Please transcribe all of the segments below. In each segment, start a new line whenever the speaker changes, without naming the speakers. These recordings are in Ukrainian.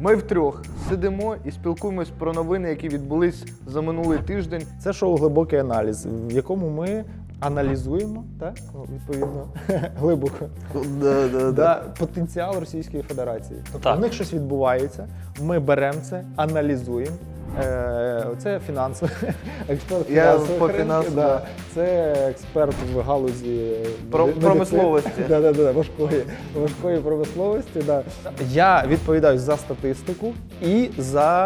Ми втрьох сидимо і спілкуємось про новини, які відбулись за минулий тиждень.
Це шоу «Глибокий аналіз», в якому ми аналізуємо, так? Ну, відповідно, глибоко, потенціал Російської Федерації. Тобто в них щось відбувається, ми беремо це, аналізуємо. Це фінансовий експерт фінансових ринків, це експерт в галузі
промисловості.
Важкої промисловості. Да. Я відповідаю за статистику і за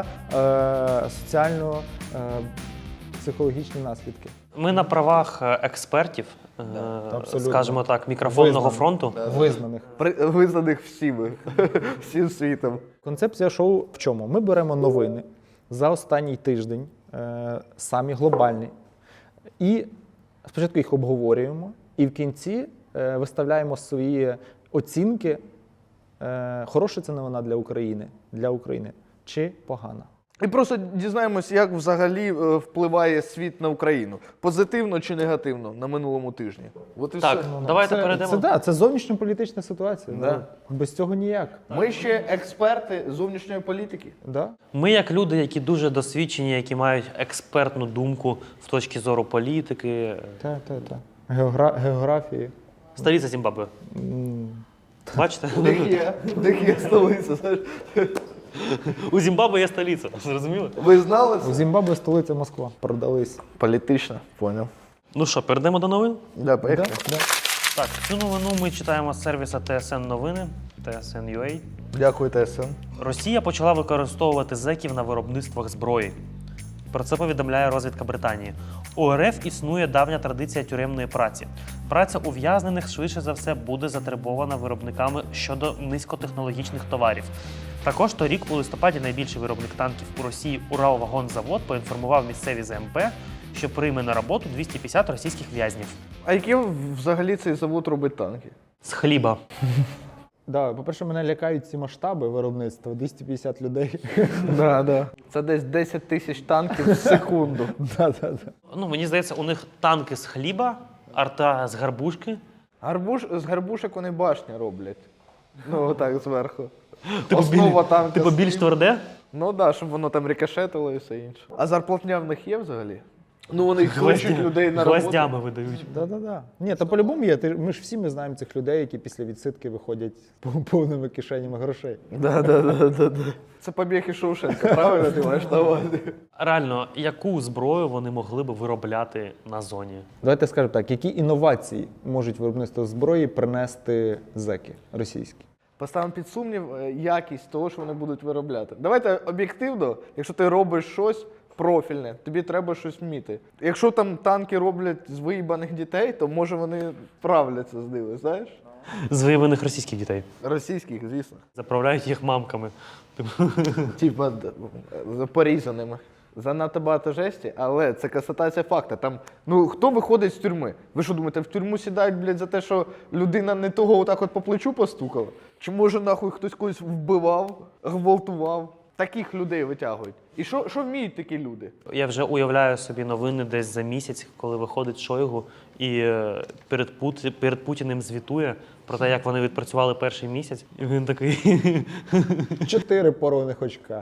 соціально-психологічні наслідки.
Ми на правах експертів, скажімо так, мікрофонного фронту.
Визнаних.
Визнаних всім світом.
Концепція шоу в чому? Ми беремо новини за останній тиждень, самі глобальні, і спочатку їх обговорюємо, і в кінці виставляємо свої оцінки, хороша це новина для України, чи погана.
І просто дізнаємось, як взагалі впливає світ на Україну. Позитивно чи негативно на минулому тижні. От і
Так,
все.
давайте перейдемо.
Це зовнішньополітична ситуація.
Да.
Без цього ніяк.
Ми ще експерти зовнішньої політики.
Да?
Ми як люди, які дуже досвідчені, які мають експертну думку в точці зору політики.
Так. Географії.
Столиця Зімбабве. Бачите?
Де є столиця, знаєш?
У Зімбабве є столиця, зрозуміли?
Ви знали це?
У Зімбабве столиця Москва. Продались.
Політично, поняв.
Ну що, перейдемо до новин?
Да, поїхали.
Да.
Так, цю новину ми читаємо з сервіса TSN Новини, TSN.ua.
Дякую, ТСН.
Росія почала використовувати зеків на виробництвах зброї. Про це повідомляє розвідка Британії. У РФ існує давня традиція тюремної праці. Праця ув'язнених, швидше за все, буде затребована виробниками щодо низькотехнологічних товарів. Також торік у листопаді найбільший виробник танків у Росії Уралвагонзавод поінформував місцеві ЗМП, що прийме на роботу 250 російських в'язнів.
А які взагалі цей завод робить танки?
З хліба.
Да, по-перше, мене лякають ці масштаби виробництва. 250 людей.
Да. Це десь 10 тисяч танків в секунду.
Да.
Ну, мені здається, у них танки з хліба, арта з гарбушки.
З гарбушек вони башні роблять. Ну, отак зверху.
Типу,
Основа танка.
Типу більш тверде?
Ну так, щоб воно там рикошетило і все інше. А зарплатня в них є взагалі? Ну вони кличуть людей на роботу.
Гвоздями видають.
Да. Ні, то по-любому є. Ми ж всі знаємо цих людей, які після відсидки виходять повними кишенями грошей.
Да. Це побіг із Шоушенка, правильно ти маєш на увазі?
Реально, яку зброю вони могли б виробляти на зоні?
Давайте скажемо так, які інновації можуть виробництво зброї принести зеки російські?
Поставимо під сумнів якість того, що вони будуть виробляти. Давайте об'єктивно, якщо ти робиш щось профільне, тобі треба щось вміти. Якщо там танки роблять з виїбаних дітей, то може вони вправляться з ними, знаєш?
З виявлених російських дітей.
Російських, звісно.
Заправляють їх мамками.
Типа порізаними. Занадто багато жесті, але це констатація факта. Там, ну, хто виходить з тюрми? Ви що думаєте, в тюрму сядають, блядь, за те, що людина не того отак от по плечу постукала? Чи може нахуй хтось когось вбивав, гвалтував? Таких людей витягують. І що вміють такі люди?
Я вже уявляю собі новини десь за місяць, коли виходить Шойгу і перед Путіним звітує про те, як вони відпрацювали перший місяць. І він такий...
4 порваних очка.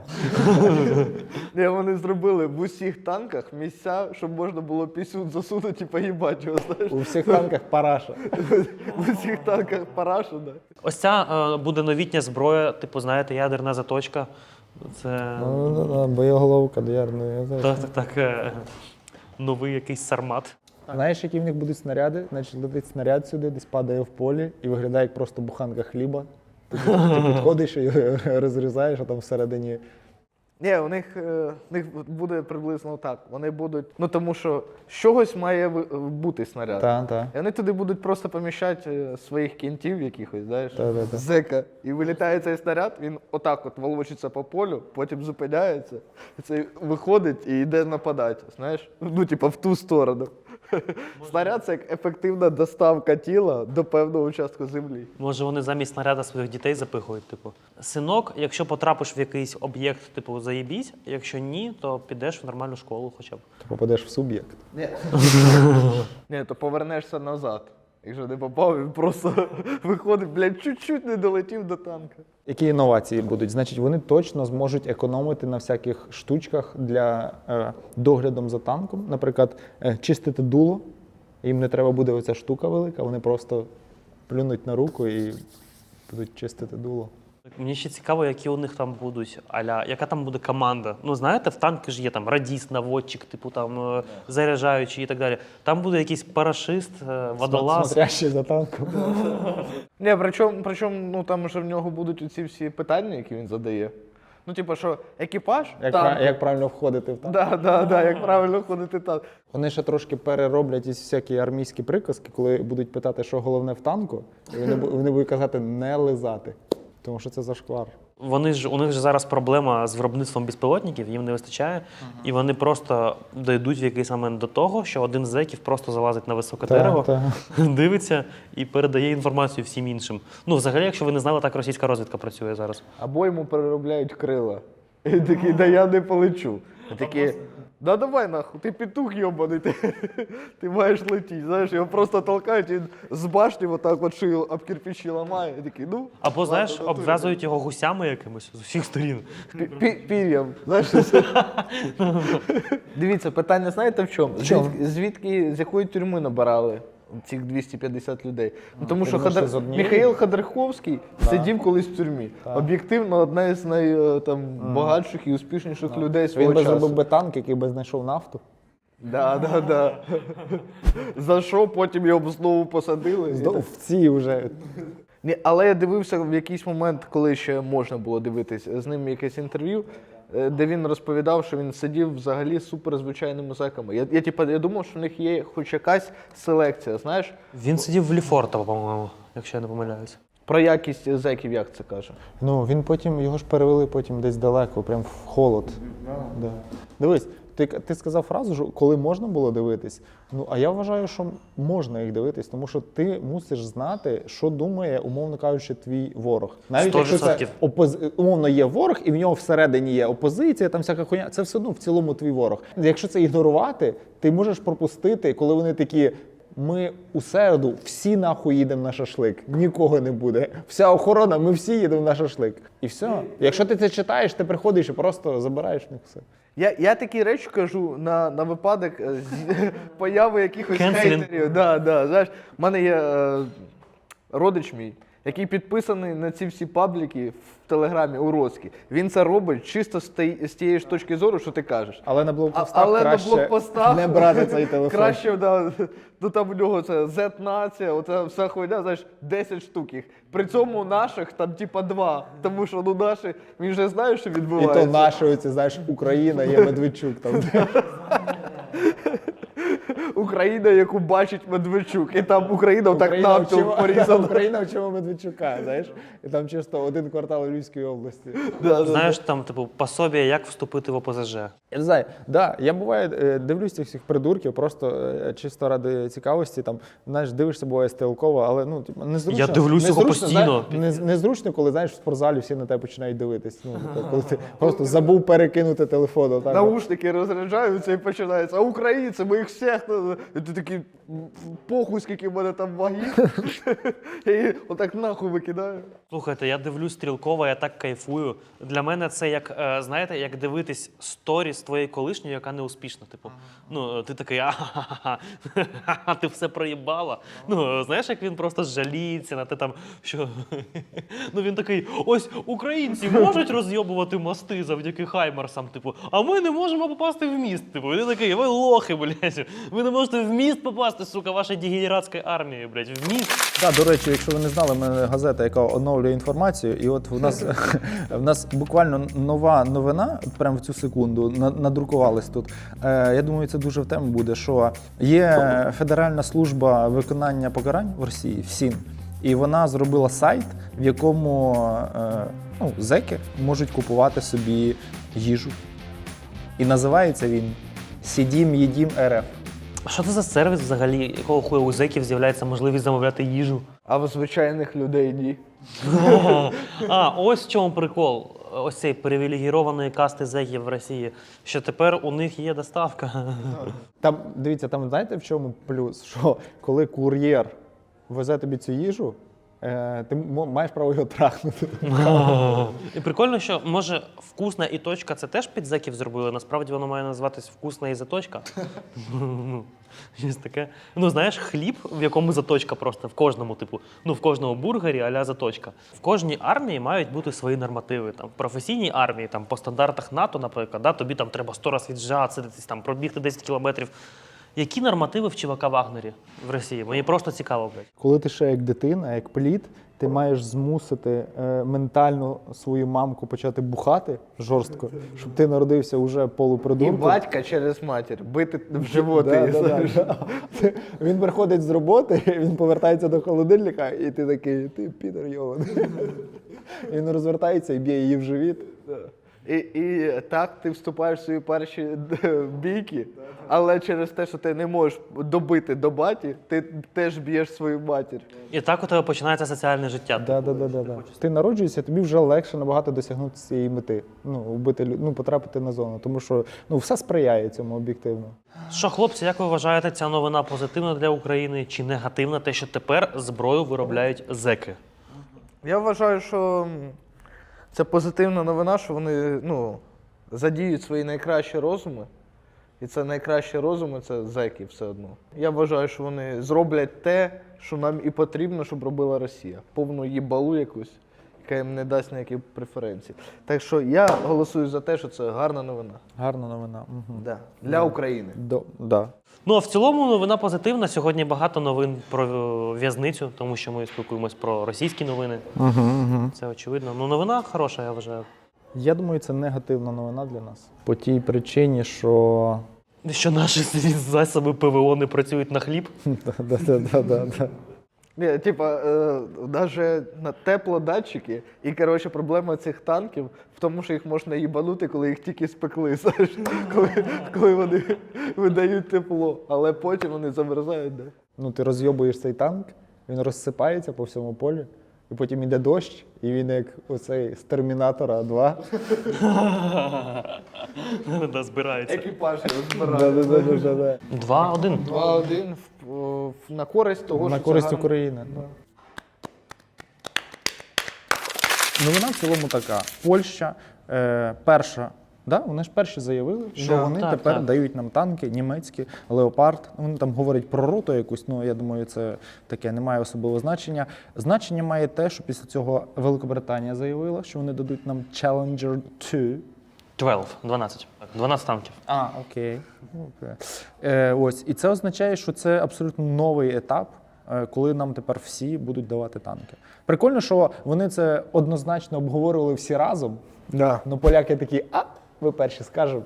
Ні, вони зробили в усіх танках місця, щоб можна було пісюн засунути і поїбати його, знаєш?
У всіх танках параша.
В усіх танках параша, да.
Ось ця буде новітня зброя, типу, знаєте, ядерна заточка. Це...
Боєголовка до ядерної.
Так. Новий якийсь сармат.
Знаєш, які в них будуть снаряди? Значить, летить снаряд сюди, десь падає в полі і виглядає як просто буханка хліба. Ти підходиш і розрізаєш, а там всередині...
Ні, у них буде приблизно так. Вони будуть, ну тому що з чогось має бути снаряд.
Так.
І вони туди будуть просто поміщати своїх кінтів якихось, знаєш,
Та.
зека. І вилітає цей снаряд, він отак от волочиться по полю, потім зупиняється, і цей виходить і йде нападати, знаєш, ну типа в ту сторону. Снаряд – це як ефективна доставка тіла до певного участку землі.
Може, вони замість снаряда своїх дітей запихують, типу. Синок, якщо потрапиш в якийсь об'єкт, типу, заєбісь, якщо ні, то підеш в нормальну школу хоча б.
Ти попадеш в суб'єкт.
Ні, то повернешся назад. Якщо не попав, він просто виходить, блядь, чуть-чуть не долетів до танка.
Які інновації будуть? Значить, вони точно зможуть економити на всяких штучках для доглядом за танком. Наприклад, чистити дуло. Їм не треба буде оця штука велика, вони просто плюнуть на руку і будуть чистити дуло.
Мені ще цікаво, які у них там будуть, яка там буде команда. Ну, знаєте, в танки ж є там радіст, наводчик, типу там заряджаючий і так далі. Там буде якийсь парашист, водолаз.
Смотрящий за танком.
Ні, причому, ну там же в нього будуть оці всі питання, які він задає. Ну, типу, що екіпаж,
Як правильно входити в танк.
Да, як правильно ходити танк.
Вони ще трошки перероблять із всякі армійські приказки, коли будуть питати, що головне в танку, і вони будуть казати не лизати. Тому що це зашквар.
У них же зараз проблема з виробництвом безпілотників, їм не вистачає, і вони просто дійдуть в якийсь момент до того, що один з зеків просто залазить на високе дерево, дивиться і передає інформацію всім іншим. Ну, взагалі, якщо ви не знали, так російська розвідка працює зараз.
Або йому переробляють крила. І він такий, да я не полечу. І такі, да давай нахуй, ти петух йобаний, ти маєш летіти. Знаєш, його просто толкають, і він з башні отак от шию об кирпичі ламає. І такий, ну.
Або, знаєш, обв'язують його гусями якимось з усіх сторін.
Пір'ям. Знаєш, дивіться, питання знаєте в чому? З якої тюрми набирали цих 250 людей? Ну, тому що Михаїл Ходорковський сидів колись в тюрмі. Об'єктивно, одна із найбагатших і успішніших людей свого часу.
Він би зробив би танк, який би знайшов нафту.
Да. За що потім його знову посадили?
В ці вже.
Ні, але я дивився в якийсь момент, коли ще можна було дивитись з ним якесь інтерв'ю, де він розповідав, що він сидів взагалі з суперзвичайними зеками. Я думав, що в них є хоч якась селекція, знаєш?
Він сидів в Ліфортово, по-моєму, якщо я не помиляюсь.
Про якість зеків як це каже?
Ну, він потім, його ж перевели потім десь далеко, прям в холод. Да. Дивись, ти сказав фразу, що коли можна було дивитись, ну, а я вважаю, що можна їх дивитись, тому що ти мусиш знати, що думає, умовно кажучи, твій ворог. Навіть
100%.
якщо це умовно є ворог, і в нього всередині є опозиція, там всяка хуйня, це все одно в цілому твій ворог. Якщо це ігнорувати, ти можеш пропустити, коли вони такі, ми у середу всі нахуй їдемо на шашлик, нікого не буде. Вся охорона, ми всі їдемо на шашлик. І все. Якщо ти це читаєш, ти приходиш і просто забираєш в них все.
Я такі речі кажу на випадок появи якихось
Кенселінг.
хейтерів. Знаєш, в мене є родич мій, який підписаний на ці всі пабліки в Телеграмі уродські. Він це робить чисто з тієї ж точки зору, що ти кажеш.
Але на блокпостах не брати цей телефон.
Краще, ну там у нього це Z-нація, оця вся хуйня, знаєш, 10 штук їх. При цьому наших там типа 2, тому що ну наші, він вже знає, що відбувається.
І то наші, оці, знаєш, Україна, є Медведчук там.
Україна, яку бачить Медведчук, і там Україна так навпіл порізана.
Україна вчимо Медведчука, знаєш, і там чисто один квартал Львівської області.
Знаєш, там, типу, пособія, як вступити в ОПЗЖ.
Я не знаю, я буває дивлюсь цих всіх придурків, просто чисто ради цікавості, там, знаєш, дивишся, буває стрілково, але, ну, типу, незручно.
Я дивлюсь його постійно.
Незручно, коли, знаєш, в спортзалі всі на тебе починають дивитись. Ну, коли ти просто забув перекинути телефон. Отак.
Наушники розряджаються і починається, а українці, ми їх всіх, і ти такий, похуй, скільки в мене там ваги, і отак нахуй викидаю.
Слухайте, я дивлюсь стрілково, я так кайфую. Для мене це як, знаєте, як дивитись сторіс твоєї колишньої, яка не успішна. Типу, ну, ти такий, ти все проїбала. Ну, знаєш, як він просто жаліється на те там, що... Ну, він такий, ось українці можуть розйобувати мости завдяки хаймарсам, типу, а ми не можемо попасти в міст. Типу, він такий, ви лохи, блядь, ви не можете в міст попасти, сука, ваша дегенератська армія, блядь, в міст.
Так, до речі, якщо ви не знали, в мене газета, яка оновлює інформацію, і от в нас буквально нова новина, прямо в цю секунду, надрукувалась тут. Я думаю, це дуже в тему буде, що є Федеральна служба виконання покарань в Росії, ФСІН, і вона зробила сайт, в якому зеки можуть купувати собі їжу. І називається він «Сидім, їдім РФ».
А що це за сервіс взагалі, якого хуя у зеків з'являється можливість замовляти їжу?
А в звичайних людей ні.
Ось в чому прикол. Ось цей привілегірованої касти зеків в Росії, що тепер у них є доставка.
Там, дивіться, там знаєте в чому плюс? Що коли кур'єр везе тобі цю їжу, ти маєш право його трахнути.
І прикольно, що може вкусна і точка це теж під зеків зробили. Насправді воно має називатись вкусна і заточка. Ну, щось таке. Ну, знаєш, хліб, в якому заточка просто в кожному, типу, ну в кожному бургері а-ля заточка. В кожній армії мають бути свої нормативи. Там, в професійній армії, там, по стандартах НАТО, наприклад, да, тобі там треба 100 разів віджатися, там, пробігти 10 кілометрів. Які нормативи в ЧВК Вагнері в Росії? Мені просто цікаво, блядь.
Коли ти ще як дитина, як плід, ти маєш змусити ментально свою мамку почати бухати жорстко, щоб ти народився уже
І
полупридурком.
батька через матір, бити в животи.
Да. Він приходить з роботи, він повертається до холодильника, і ти такий, ти підер йований. Він розвертається і б'є її в живіт.
І так ти вступаєш в свої перші бійки, але через те, що ти не можеш добити до баті, ти теж б'єш свою матір.
І так у тебе починається соціальне життя.
Да. Ти народжуєшся, тобі вже легше набагато досягнути цієї мети. Потрапити на зону. Тому що все сприяє цьому об'єктивно.
Що, хлопці, як ви вважаєте, ця новина позитивна для України чи негативна, те, що тепер зброю виробляють зеки?
Я вважаю, що це позитивна новина, що вони задіють свої найкращі розуми. І це найкращі розуми – це зеки все одно. Я вважаю, що вони зроблять те, що нам і потрібно, щоб робила Росія. Повну їбалу якусь, яка їм не дасть ніякі преференції. Так що я голосую за те, що це гарна новина.
Гарна новина. Угу.
Да. Для України.
Да.
Ну, а в цілому новина позитивна. Сьогодні багато новин про в'язницю, тому що ми спілкуємось про російські новини. Це очевидно. Ну, новина хороша, я вважаю.
Я думаю, це негативна новина для нас. По тій причині, що...
Що наші засоби ПВО не працюють на хліб.
Да.
Ні, навіть на теплодатчики, і, проблема цих танків в тому, що їх можна їбанути, коли їх тільки спекли, знаєш, коли вони видають тепло, але потім вони замерзають, да.
Ти розйобуєш цей танк, він розсипається по всьому полі, і потім йде дощ, і він як оцей з Термінатора 2.
Да, збирається.
Екіпаж збирають.
2-1.
2-1 на користь того,
На
що
користь
це
України. Новина в цілому така. Польща перша. Да? Вони ж перші заявили, що вони тепер дають нам танки, німецькі, Леопард. Вони там говорять про роту якусь, я думаю, це таке не має особливого значення. Значення має те, що після цього Великобританія заявила, що вони дадуть нам Challenger 2.
12. 12 танків.
Окей. Ось. І це означає, що це абсолютно новий етап, коли нам тепер всі будуть давати танки. Прикольно, що вони це однозначно обговорювали всі разом.
Да.
Поляки такі, ви перші скажемо,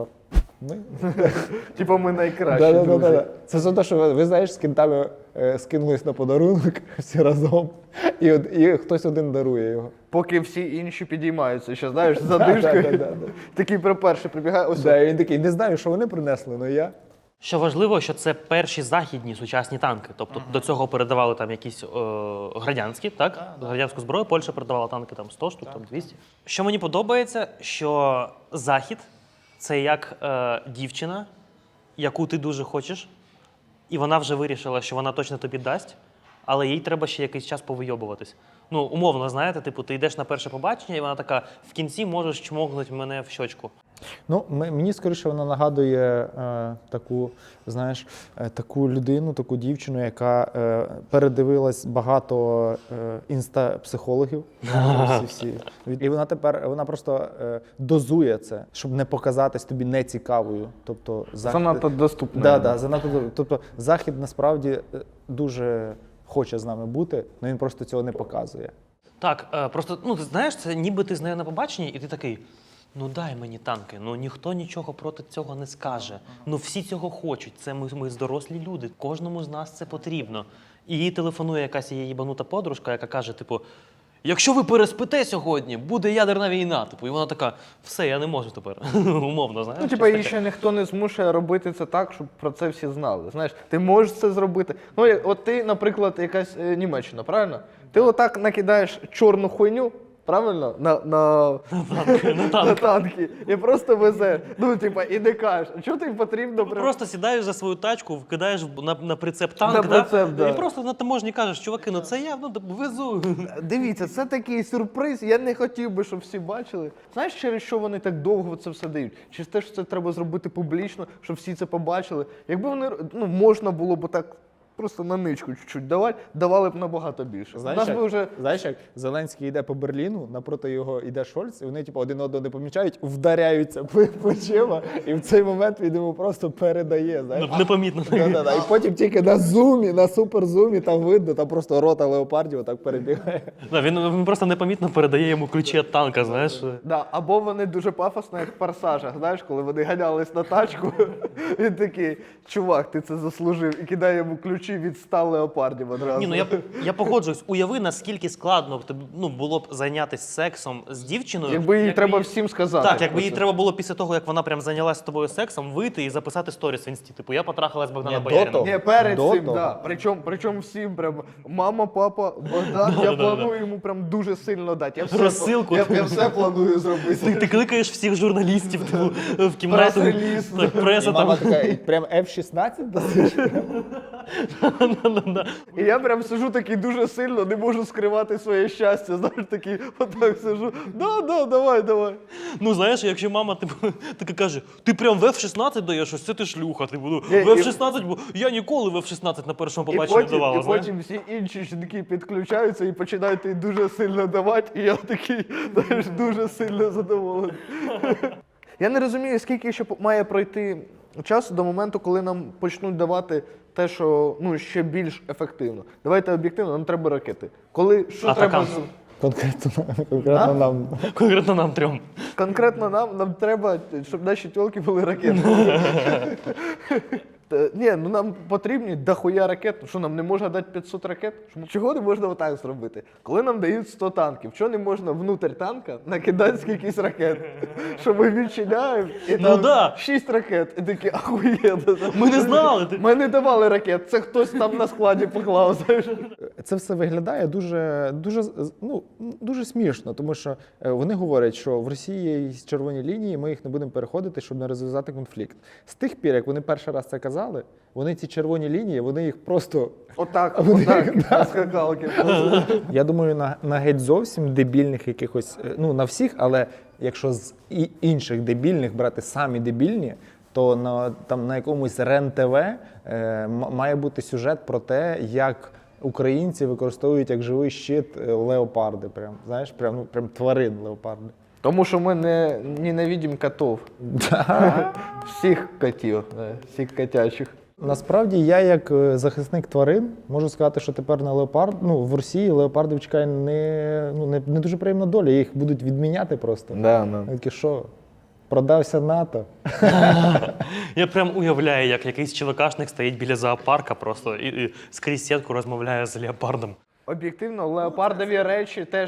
ми.
Ми найкращі друзі.
Це за те, що ви знаєш, з кінтами скинулись на подарунок всі разом, і хтось один дарує його.
Поки всі інші підіймаються, ще, знаєш, з задишкою. Такий перший прибігає. Ось.
І він такий, не знаю, що вони принесли, але я.
Що важливо, що це перші західні сучасні танки. Тобто до цього передавали там якісь радянські, так? Радянську зброю, Польща передавала танки там 100 штук, там 200. Що мені подобається, що Захід – це як дівчина, яку ти дуже хочеш, і вона вже вирішила, що вона точно тобі дасть, але їй треба ще якийсь час повийобуватись. Умовно, знаєте, ти йдеш на перше побачення, і вона така, в кінці можеш чмогнути мене в щочку.
Мені скоріше вона нагадує таку людину, таку дівчину, яка передивилась багато інста-психологів. І вона просто дозує це, щоб не показатись тобі нецікавою. Тобто,
Занадто доступно.
Тобто Захід насправді дуже хоче з нами бути, але він просто цього не показує.
Так, просто, ти знаєш, це ніби ти з нею на побаченні, і ти такий, дай мені танки, ніхто нічого проти цього не скаже. Всі цього хочуть, це ми дорослі люди, кожному з нас це потрібно. І їй телефонує якась її їбанута подружка, яка каже, якщо ви переспите сьогодні, буде ядерна війна. І вона така, все, я не можу тепер. Умовно, знаєш.
Її ще ніхто не змушує робити це так, щоб про це всі знали. Знаєш, ти можеш це зробити. От ти, наприклад, якась Німеччина, правильно? Ти отак накидаєш чорну хуйню, Правильно?
На танк.
На танки. І просто везеш. Ну, типа, і не кажеш, що тобі потрібно?
Ти просто сідаєш за свою тачку, вкидаєш на прицеп танк,
На прицеп, да.
і просто на таможні кажеш, чуваки, ну це я везу.
Дивіться, це такий сюрприз. Я не хотів би, щоб всі бачили. Знаєш, через що вони так довго це все дають? Через те, що це треба зробити публічно, щоб всі це побачили. Якби вони, можна було б так просто на ничку чуть-чуть давати, давали б набагато більше.
Знаєш,
Нас би вже...
знаєш, як Зеленський йде по Берліну, напроти його йде Шольц, і вони типу, один одного не помічають, вдаряються плечима, і в цей момент він йому просто передає. Знаєш?
Непомітно.
Да-да-да. І потім тільки на зумі, на суперзумі, там видно, там просто рота леопардів отак перебігає.
Він просто непомітно передає йому ключі від танка, знаєш.
Да, або вони дуже пафосно, як в «Форсажах», знаєш, коли вони ганялись на тачку, він такий, чувак, ти це заслужив, і кидає йому ключі від 100 леопардів одразу.
Ні, ну я погоджуюсь. Уяви, наскільки складно було б зайнятися сексом з дівчиною.
Якби їй треба всім сказати.
Так, якби
про
їй
це.
треба було після того, як вона прям зайнялася з тобою сексом, вийти і записати сторіс в інсті. Типу, я потрахалась з Богдана
Ні, до
Боярина.
того.
Ні, перед
До
цим,
того.
да. Причому всім прям мама, папа, Богдан, я планую йому прям дуже сильно дати. Я все,
Розсилку.
Я все планую зробити.
Ти кликаєш всіх журналістів типу, в кімнату.
Прес-реліз.
Так, преса
І мама
там.
така, і прям F-16 досить.
І я прям сижу такий дуже сильно, не можу скривати своє щастя. Знаєш, такий, отак сижу. Да, давай.
Ну знаєш, якщо мама типу, така каже, ти прям в F-16 даєш, ось це ти шлюха. Типу, ну,
Ні,
в F-16, бо я ніколи в F-16 на першому побаченні не давала.
І
знаєш?
потім всі інші жінки підключаються і починають їй дуже сильно давати, і я такий, знаєш, дуже сильно задоволений. Я не розумію, скільки ще має пройти часу до моменту, коли нам почнуть давати те, що ще більш ефективно. Давайте об'єктивно, нам треба ракети. Коли, що
Атакамс.
треба...
Конкретно нам.
Конкретно нам трьом.
Конкретно нам треба, щоб наші тілки були ракети. Ні, нам потрібні дохуя ракет. Що нам не можна дати 500 ракет? Чого не можна отак зробити? Коли нам дають 100 танків, чого не можна внутрь танка накидати скількись ракет? Що ми відчиняємо і
Ну
там
да.
6 ракет. І такі, ахуєнно.
Ми не знали.
Ми не давали ракет, це хтось там на складі поклав. Знаєш.
Це все виглядає дуже смішно, тому що вони говорять, що в Росії є червоні лінії, ми їх не будемо переходити, щоб не розв'язати конфлікт. З тих пір, як вони перший раз це казали, вони ці червоні лінії, вони їх просто...
Отак, на скакалки.
Я думаю, на геть зовсім дебільних якихось, на всіх, але якщо з інших дебільних брати самі дебільні, то на якомусь РЕН-ТВ має бути сюжет про те, як українці використовують як живий щит леопарди. Прям, знаєш, прям тварин леопарди.
Тому що ми ненавидимо котів. Всіх котів, всіх котячих.
Насправді, я як захисник тварин можу сказати, що тепер на в Росії леопардів чекає не дуже приємна доля, їх будуть відміняти просто.
Да.
Такі, що, продався НАТО?
Я прям уявляю, як якийсь чоловікашник стоїть біля зоопарка просто і скрізь сітку розмовляє з леопардом.
Об'єктивно, леопардові речі теж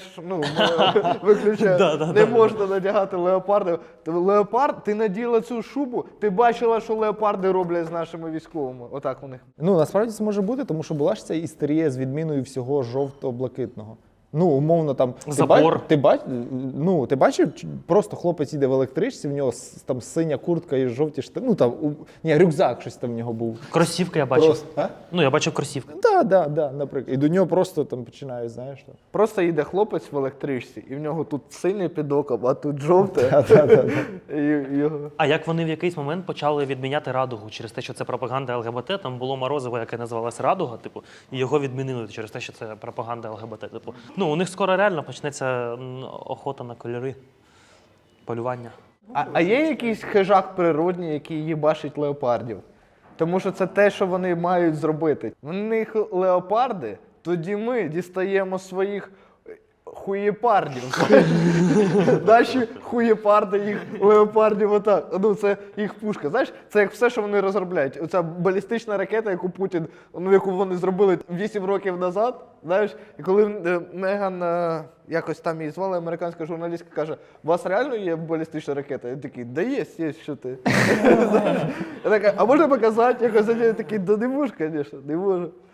виключають. Не можна надягати леопарди. Леопард, ти наділа цю шубу, ти бачила, що леопарди роблять з нашими військовими. Отак у них.
Насправді це може бути, тому що була ж ця істерія з відміною всього жовто-блакитного. Умовно, там
Забор.
Ти бачив, просто хлопець їде в електричці, в нього там синя куртка і жовті штани. Рюкзак щось там в нього був.
Кросівки я бачив.
Просто, а?
Я бачив кросівки.
Да, наприклад. І до нього просто там починають, знаєш. Там.
Просто їде хлопець в електричці, і в нього тут синє під оком, а тут жовте.
А як вони в якийсь момент почали відміняти радугу через те, що це пропаганда ЛГБТ, там було морозиво, яке називалось Радуга, і його відмінили через те, що це пропаганда ЛГБТ. У них скоро реально почнеться охота на кольори, полювання.
А є якийсь хижак природній, який їбашить леопардів? Тому що це те, що вони мають зробити. В них леопарди, тоді ми дістаємо своїх хуєпардів. Наші хуєпарди, їх леопардів отак. Це їх пушка. Знаєш, це як все, що вони розробляють. Оця балістична ракета, яку Путін, яку вони зробили 8 років назад, знаєш, і коли Меган, якось там її звали, американська журналістка каже, у вас реально є балістична ракета? Я такий, да є, що ти. Я така, а можна показати? Якось я такий, да не можу, звісно, не можу.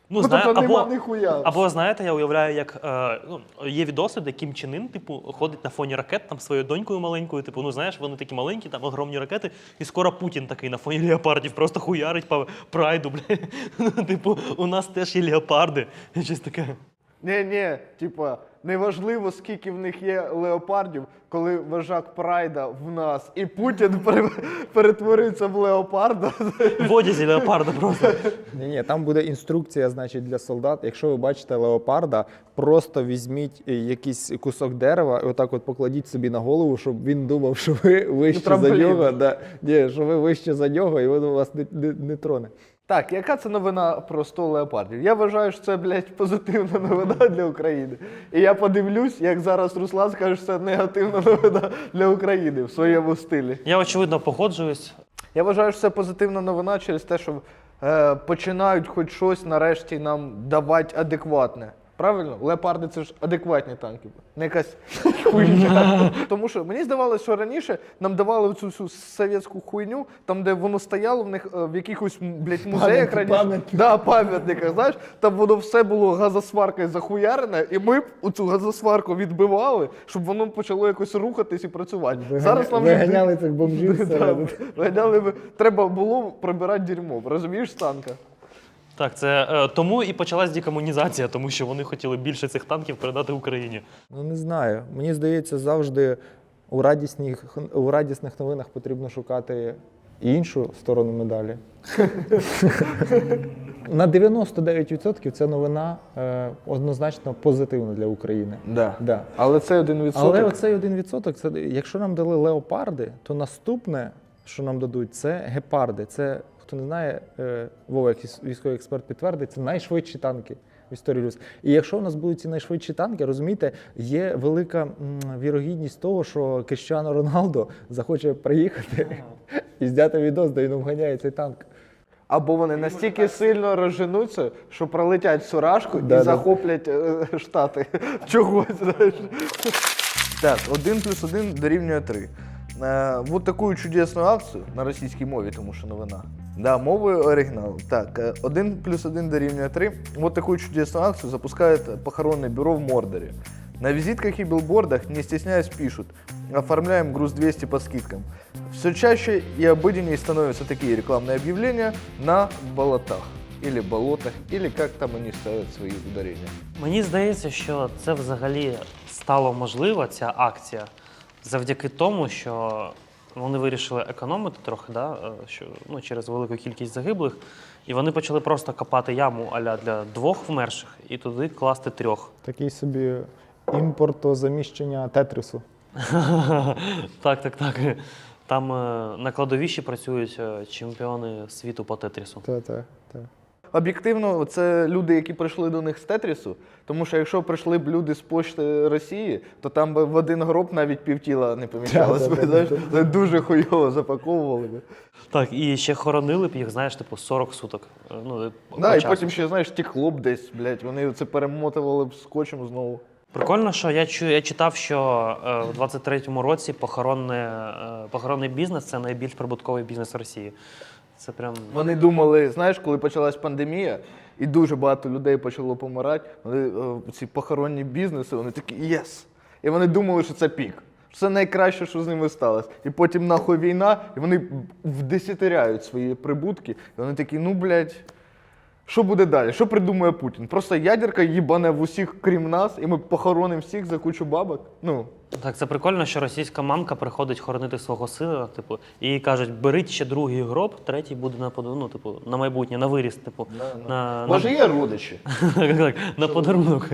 Ну, знаю,
тобто нема
або,
ніхуя.
або, знаєте, я уявляю, як є відоси, де Кім Чен Ін, типу, ходить на фоні ракет там своєю донькою маленькою, типу, ну знаєш, вони такі маленькі, там огромні ракети, і скоро Путін такий на фоні леопардів просто хуярить по прайду, бля. Ну, типу, у нас теж є леопарди, щось таке.
Ні, типа, неважливо, скільки в них є леопардів, коли вожак Прайда в нас, і Путін перетворюється в леопарда.
В одязі леопарда просто.
Ні, там буде інструкція, значить, для солдат. Якщо ви бачите леопарда, просто візьміть якийсь кусок дерева і отак от покладіть собі на голову, щоб він думав, що ви вище за
трамплін.
нього. Да, ні, що ви вище за нього, і він вас не троне.
Так, яка це новина про 100 леопардів? Я вважаю, що це, блядь, позитивна новина для України. І я подивлюсь, як зараз Руслан скаже, що це негативна новина для України в своєму стилі.
Я, очевидно, погоджуюсь.
Я вважаю, що це позитивна новина через те, що починають хоч щось нарешті нам давати адекватне. Правильно? Леопарди це ж адекватні танки, не якась хуйня. Тому що мені здавалося, що раніше нам давали цю всю совєтську хуйню, там, де воно стояло в них в якихось, блядь, музеях раніше. Да, пам'ятниках, знаєш, там воно все було газосваркою захуярене, і ми б цю газосварку відбивали, щоб воно почало якось рухатись і працювати. Зараз нам
Виганяли цих бомжів всередину.
виганяли, треба було прибирати дерьмо, розумієш, з танка?
Так, це тому і почалась декомунізація, тому що вони хотіли більше цих танків передати Україні.
Ну не знаю. Мені здається, завжди у радісних новинах потрібно шукати іншу сторону медалі. На 99% це новина однозначно позитивна для України. Да.
Але це 1%.
Але оцей 1%, це, якщо нам дали леопарди, то наступне, що нам дадуть, це гепарди. Це, хто не знає, Вова, як військовий експерт підтвердить, це найшвидші танки в історії людства. І якщо у нас будуть ці найшвидші танки, розумієте, є велика вірогідність того, що Кріштіану Роналдо захоче приїхати і зняти відос, де він обганяє цей танк.
Або вони настільки сильно розженуться, що пролетять всю рашку і захоплять Штати. Чогось, знаєш. Так, 1+1 дорівнює 3. Вот такую чудесную акцию на російській мові, тому що новина. Да, мовою оригіналу. Так, 1+1 дорівнює 3. Вот такую чудесную акцию запускает похоронное бюро в Мордоре. На визитках и билбордах, не стесняясь, пишут: оформляем груз 200 по скидкам. Все чаще и обыденнее становятся такие рекламные объявления на болотах. Или болотах, или как там они ставят свої ударення.
Мені здається, що це взагалі стало можливо, ця акція, завдяки тому, що вони вирішили економити трохи, да, що, ну, через велику кількість загиблих, і вони почали просто копати яму а-ля для 2 вмерших і туди класти 3.
Такий собі імпортозаміщення тетрису.
Так. Там на кладовищі працюють чемпіони світу по тетрісу.
Так.
Об'єктивно, це люди, які прийшли до них з Тетрісу, тому що якщо прийшли б люди з Пошти Росії, то там би в один гроб навіть півтіла не поміщалось. Це дуже хуйово запаковували би.
Так, і ще хоронили б їх, знаєш, типу 40 суток. Ну,
Да, і
часу.
потім ще, знаєш, тікло б десь, блядь, вони це перемотували б скотчем знову.
Прикольно, що я читав, що в 23-му році похоронний бізнес – це найбільш прибутковий бізнес Росії. Це прям...
Вони думали, знаєш, коли почалась пандемія, і дуже багато людей почало помирати, вони, ці похоронні бізнеси, вони такі «єс!». І вони думали, що це пік. Що це найкраще, що з ними сталося. І потім нахуй війна, і вони вдесятеряють свої прибутки. І вони такі, ну, блядь, що буде далі? Що придумає Путін? Просто ядерка їбане в усіх, крім нас, і ми похоронимо всіх за кучу бабок? Ну. Так,
це прикольно, що російська мамка приходить хоронити свого сина, типу, і їй кажуть, беріть ще другий гроб, третій буде ну, типу, на майбутнє, на виріст, типу.
Може, є родичі?
Так, на подарунок.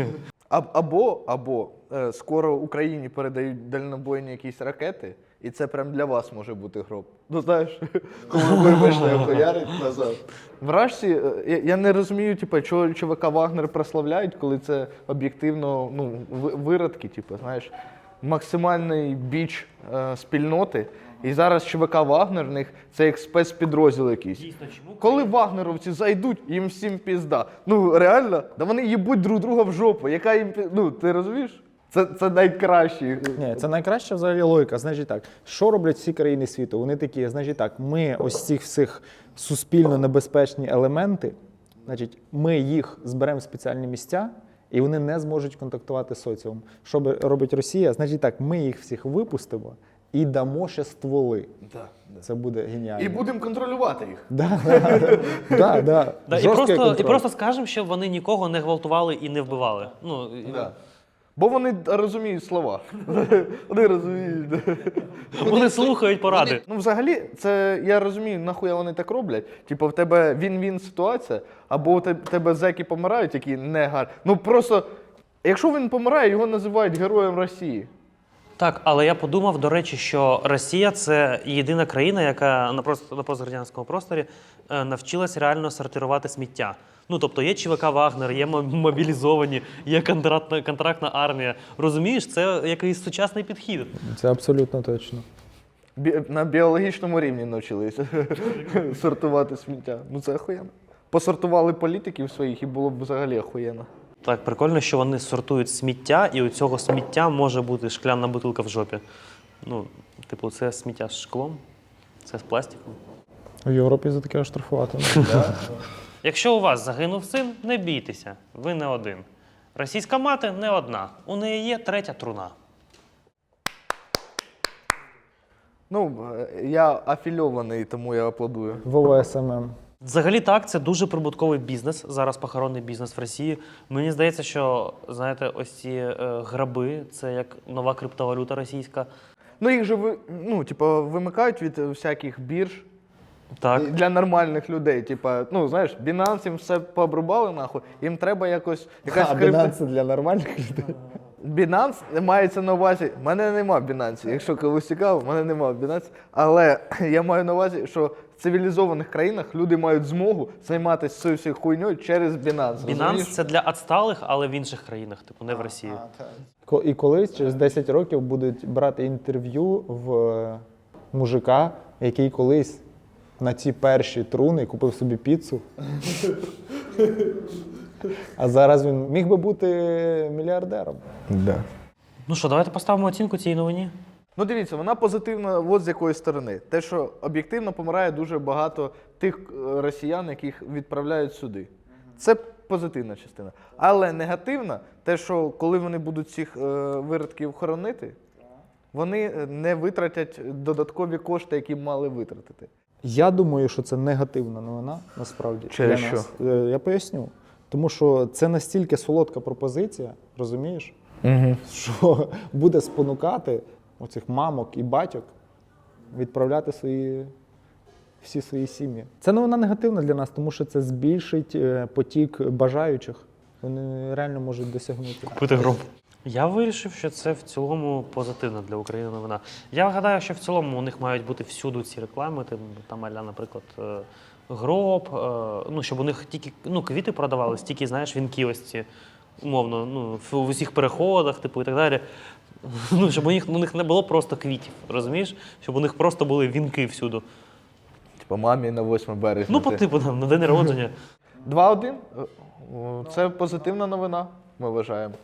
Або скоро Україні передають дальнобойні якісь ракети, і це прям для вас може бути гроб. Ну знаєш, коли ви вийшли хуярить назад. В Рашці, я не розумію, типу, чого ЧВК Вагнер прославляють, коли це об'єктивно, ну, виродки, типу, знаєш, максимальний біч спільноти. І зараз ЧВК Вагнер в них це як спецпідрозділ якийсь.
Дійсно, чому?
Коли вагнеровці зайдуть, їм всім пізда. Ну реально, да вони їбуть друг друга в жопу. Яка їм ну ти розумієш? Це найкращі.
Ні, це найкраща взагалі логіка. Значить так, що роблять всі країни світу? Вони такі, значить так, ми ось цих всіх суспільно небезпечні елементи Значить, ми їх зберемо в спеціальні місця, і вони не зможуть контактувати з соціумом. Що робить Росія? Значить так, ми їх всіх випустимо і дамо ще стволи. Це буде геніально.
І будемо контролювати їх.
Да.
Да, і,
Жорсткий
і
контроль.
просто скажемо, щоб вони нікого не гвалтували і не вбивали. Ну,
Да. Бо вони розуміють слова. Вони розуміють.
Вони слухають поради.
Ну, взагалі, це я розумію, нахуя вони так роблять. Типу, в тебе він-він ситуація, або у тебе зеки помирають, які не гарні. Ну просто, якщо він помирає, його називають героєм Росії.
Так, але я подумав, до речі, що Росія – це єдина країна, яка на пострадянському просторі навчилась реально сортувати сміття. Ну, тобто є ЧВК «Вагнер», є мобілізовані, є контрактна армія. Розумієш, це якийсь сучасний підхід.
Це абсолютно точно.
На біологічному рівні навчилися сортувати сміття. Ну це охуєнно. Посортували політиків своїх і було б взагалі охуєнно.
Так, прикольно, що вони сортують сміття, і у цього сміття може бути шкляна бутилка в жопі. Ну, типу, це сміття з шклом, це з пластиком.
В Європі за таке оштрафувати.
Якщо у вас загинув син, не бійтеся, ви не один. Російська мати не одна, у неї є третя труна.
Ну, я афільований, тому я аплодую.
В ОСММ.
Взагалі так, це дуже прибутковий бізнес, зараз похоронний бізнес в Росії. Мені здається, що, знаєте, ось ці граби, це як нова криптовалюта російська.
Ну їх же вимикають від всяких бірж.
Так.
Для нормальних людей. Типа, ну знаєш, Binance їм все пообрубали нахуй, їм треба якась
Binance для нормальних людей.
Binance мається на увазі, в мене нема Binance, якщо когось цікаво, в мене нема Binance, але я маю на увазі, що в цивілізованих країнах люди мають змогу займатися цією всією хуйньою через Binance.
Binance – це для відсталих, але в інших країнах, типу не в Росії.
І колись, через 10 років, будуть брати інтерв'ю в мужика, який колись на ці перші труни купив собі піцу. А зараз він міг би бути мільярдером.
Да.
Ну що, давайте поставимо оцінку цій новині.
Ну дивіться, вона позитивна от з якої сторони. Те, що об'єктивно помирає дуже багато тих росіян, яких відправляють сюди. Це позитивна частина. Але негативна, те, що коли вони будуть цих виродків хоронити, вони не витратять додаткові кошти, які мали витратити.
Я думаю, що це негативна новина, насправді.
Через
для
що?
нас. Я поясню. Тому що це настільки солодка пропозиція, розумієш, що буде спонукати оцих мамок і батьок відправляти всі свої сім'ї. Це новина негативна для нас, тому що це збільшить потік бажаючих. Вони реально можуть досягнути.
Купити гроб. Я вирішив, що це в цілому позитивна для України новина. Я гадаю, що в цілому у них мають бути всюди ці реклами, там аля, наприклад, гроб, ну, щоб у них тільки квіти продавались, тільки, знаєш, вінки ось ці, умовно, в усіх переходах, типу, і так далі. Ну, щоб у них не було просто квітів, розумієш? Щоб у них просто були вінки всюди.
Типа мамі на 8 березня.
Ну, по типу, там, на день народження.
2-1. Це позитивна новина, ми вважаємо.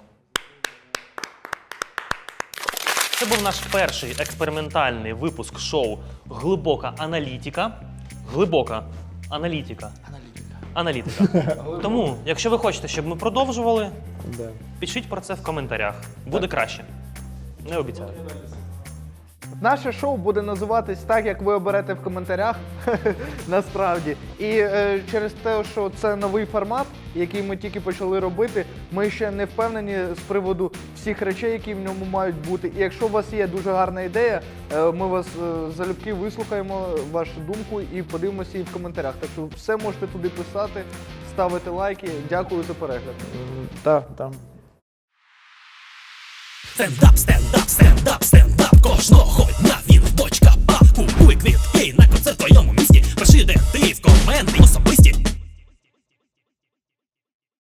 Це був наш перший експериментальний випуск шоу «Глибока аналітика». Глибока аналітика. Аналітика. Тому, якщо ви хочете, щоб ми продовжували, пишіть про це в коментарях. Буде краще. Не обіцяю.
Наше шоу буде називатись так, як ви оберете в коментарях, насправді. І через те, що це новий формат, який ми тільки почали робити, ми ще не впевнені з приводу всіх речей, які в ньому мають бути. І якщо у вас є дуже гарна ідея, ми вас залюбки вислухаємо, вашу думку і подивимося її в коментарях. Так що все можете туди писати, ставити лайки. Дякую за перегляд.
Так.
Стендап, стендап, стендап, стендап кожного дня.